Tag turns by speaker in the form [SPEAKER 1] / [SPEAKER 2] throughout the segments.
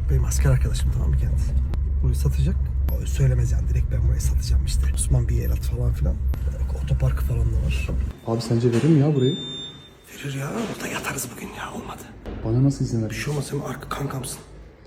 [SPEAKER 1] Benim asker arkadaşım, tamam mı kendisi? Burayı satacak. O söylemez yani, direkt ben burayı satacağım işte. Osman bir yer at falan filan. Otoparkı falan da var.
[SPEAKER 2] Abi sence verir mi ya burayı?
[SPEAKER 1] Verir ya, orada yatarız bugün ya, olmadı.
[SPEAKER 2] Bana nasıl izin verir?
[SPEAKER 1] Bir şey olmaz, sen arka kankamsın.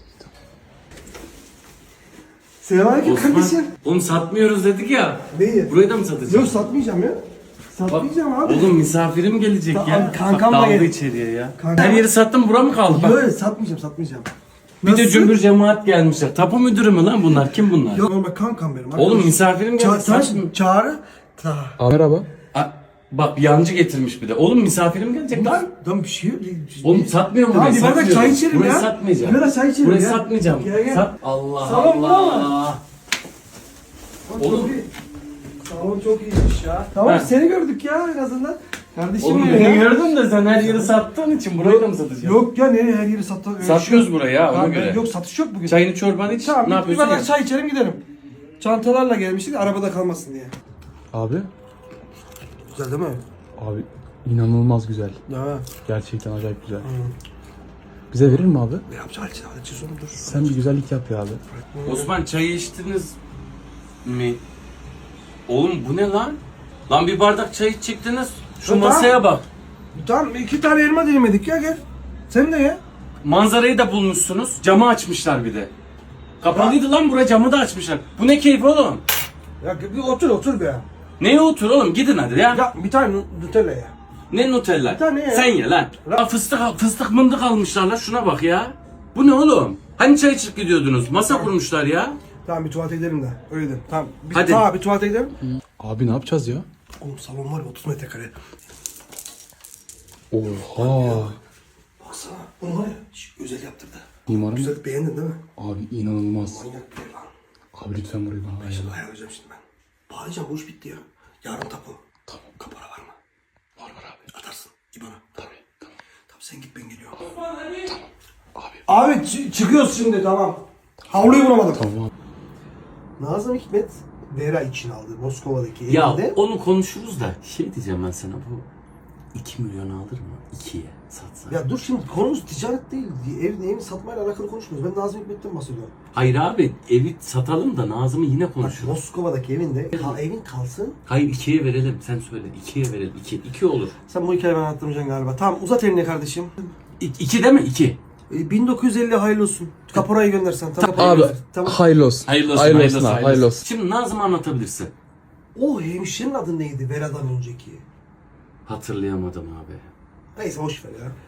[SPEAKER 1] Selamünaleyküm
[SPEAKER 3] Osman,
[SPEAKER 1] kardeşim.
[SPEAKER 3] oğlum satmıyoruz dedik ya.
[SPEAKER 1] Neyi?
[SPEAKER 3] Burayı da mı satacağız?
[SPEAKER 1] Yok, satmayacağım ya. Satmayacağım abi.
[SPEAKER 3] Oğlum misafirim gelecek ya.
[SPEAKER 1] kankam
[SPEAKER 3] Bak,
[SPEAKER 1] da
[SPEAKER 3] dalga
[SPEAKER 1] gel-
[SPEAKER 3] içeriye ya.
[SPEAKER 1] Kankam-
[SPEAKER 3] Her yeri sattım, bura mı kaldı? Bak.
[SPEAKER 1] Yok, satmayacağım.
[SPEAKER 3] Bir de
[SPEAKER 1] Nasıl?
[SPEAKER 3] cümbür cemaat gelmişler. Tapu müdürü mü lan bunlar? Kim bunlar?
[SPEAKER 1] Yok, normal kankam benim.
[SPEAKER 3] Oğlum
[SPEAKER 1] arkadaşım.
[SPEAKER 3] misafirim gelecek. saçma.
[SPEAKER 1] Çağrı.
[SPEAKER 2] Abi merhaba.
[SPEAKER 3] Bak yancı getirmiş bir de. Oğlum misafirim gelecek lan.
[SPEAKER 1] Lan bir şey yok.
[SPEAKER 3] Oğlum satmıyorum
[SPEAKER 1] Tamam,
[SPEAKER 3] burayı.
[SPEAKER 1] bir bardak
[SPEAKER 3] satmıyorum.
[SPEAKER 1] çay içelim
[SPEAKER 3] Burayı
[SPEAKER 1] ya.
[SPEAKER 3] satmayacağım.
[SPEAKER 1] Bir bardak çay içelim
[SPEAKER 3] Burayı
[SPEAKER 1] ya.
[SPEAKER 3] satmayacağım.
[SPEAKER 1] Gel.
[SPEAKER 3] Sat. Allah
[SPEAKER 1] Salon
[SPEAKER 3] Allah. Oğlum.
[SPEAKER 1] Salon çok iyiymiş ya. Tamam,
[SPEAKER 3] Ha.
[SPEAKER 1] seni gördük ya en azından. Kardeşim
[SPEAKER 3] Oğlum
[SPEAKER 1] benim
[SPEAKER 3] beni
[SPEAKER 1] ya.
[SPEAKER 3] gördün de sen her yeri sattığın için burayı da mı satacaksın?
[SPEAKER 1] Yok ya, nereye her yeri satıyoruz?
[SPEAKER 3] Satıyoruz burayı ya, ona göre.
[SPEAKER 1] Yok, satış yok bugün.
[SPEAKER 3] Çayını çorbanı iç.
[SPEAKER 1] Tamam,
[SPEAKER 3] ne
[SPEAKER 1] bir
[SPEAKER 3] yapıyorsun
[SPEAKER 1] bardak
[SPEAKER 3] ya?
[SPEAKER 1] çay içelim gidelim. Çantalarla gelmiştik, arabada kalmasın diye.
[SPEAKER 2] Abi.
[SPEAKER 1] Güzel değil mi?
[SPEAKER 2] Abi inanılmaz güzel.
[SPEAKER 1] Ya.
[SPEAKER 2] Gerçekten acayip güzel. Bize verir mi abi?
[SPEAKER 1] Ne yapacağız? Hadi çiz onu, dur.
[SPEAKER 2] Sen bir güzellik yap ya abi.
[SPEAKER 3] Osman çayı içtiniz mi? Oğlum bu ne lan? Lan bir bardak çay içecektiniz. Şu
[SPEAKER 1] Ya
[SPEAKER 3] masaya bak.
[SPEAKER 1] Tamam, 2 tane elma dilemedik ya, gel. Sen de ye.
[SPEAKER 3] Manzarayı da bulmuşsunuz. Camı açmışlar bir de. Kapalıydı lan bura, camı da açmışlar. Bu ne keyif oğlum?
[SPEAKER 1] Ya bir otur be.
[SPEAKER 3] Neye otur oğlum, gidin hadi ya.
[SPEAKER 1] Ya bir tane Nutella ya.
[SPEAKER 3] Ne Nutella?
[SPEAKER 1] Bir tane ya.
[SPEAKER 3] Sen ye lan. Ya fıstık mındık almışlar lan, şuna bak ya. Bu ne oğlum? Hani çay içip gidiyordunuz? Masa kurmuşlar ya.
[SPEAKER 1] Tamam, bir tuvalete gidelim de. Öyle dedim. Tamam.
[SPEAKER 3] Hadi.
[SPEAKER 1] Tamam, bir tuvalete gidelim.
[SPEAKER 2] Abi ne yapacağız ya?
[SPEAKER 1] Oğlum salon var ya, 30 metrekare.
[SPEAKER 2] Oha.
[SPEAKER 1] Baksana. Bunu var ya, özel yaptırdı.
[SPEAKER 2] Mimarım.
[SPEAKER 1] Güzel, beğendin değil mi?
[SPEAKER 2] Abi inanılmaz.
[SPEAKER 1] Manyak bir ev lan.
[SPEAKER 2] Abi lütfen burayı bana ayarla.
[SPEAKER 1] Şimdi ayarlayacağım şimdi ben. Bağlayacağım, bu iş bitti ya. Yarın tapu.
[SPEAKER 2] Tamam.
[SPEAKER 1] Kapora var mı?
[SPEAKER 2] Var abi.
[SPEAKER 1] Atarsın İBAN'a.
[SPEAKER 2] Tabii. Tamam.
[SPEAKER 1] Tamam, sen git, ben geliyorum.
[SPEAKER 2] Abi.
[SPEAKER 1] Abi çıkıyoruz şimdi, tamam. Havluyu bulamadım.
[SPEAKER 2] Tamam abi.
[SPEAKER 1] Nazım Hikmet Vera için aldı Moskova'daki
[SPEAKER 3] Ya
[SPEAKER 1] evinde.
[SPEAKER 3] onu konuşuruz da şey diyeceğim ben sana, bu 2 milyon alır mı? 2'ye satsa.
[SPEAKER 1] Ya dur, şimdi konumuz ticaret değil. Evini satmayla alakalı konuşmuyoruz. Ben Nazım Hikmet'ten bahsediyorum.
[SPEAKER 3] Hayır abi, evi satalım da Nazım'ı yine
[SPEAKER 1] Bak,
[SPEAKER 3] konuşuruz.
[SPEAKER 1] Moskova'daki evinde evin kalsın.
[SPEAKER 3] Hayır, 2'ye verelim, sen söyle. 2'ye verelim. 2 olur.
[SPEAKER 1] Sen bu hikayeyi bana anlatmayacaksın galiba. Tamam, uzat elini kardeşim.
[SPEAKER 3] 2 değil mi? 2.
[SPEAKER 1] 1950 hayırlı olsun. Kaporayı göndersen. Tamam.
[SPEAKER 2] Abi
[SPEAKER 1] Tamam.
[SPEAKER 2] hayırlı olsun.
[SPEAKER 3] Hayırlı olsun,
[SPEAKER 2] Hayırlı olsun abi. Hayırlı olsun.
[SPEAKER 3] Şimdi Nazım'ı anlatabilirsin.
[SPEAKER 1] O hemşirenin adı neydi Vera'dan önceki?
[SPEAKER 3] Hatırlayamadım abi.
[SPEAKER 1] Neyse, boş ver ya.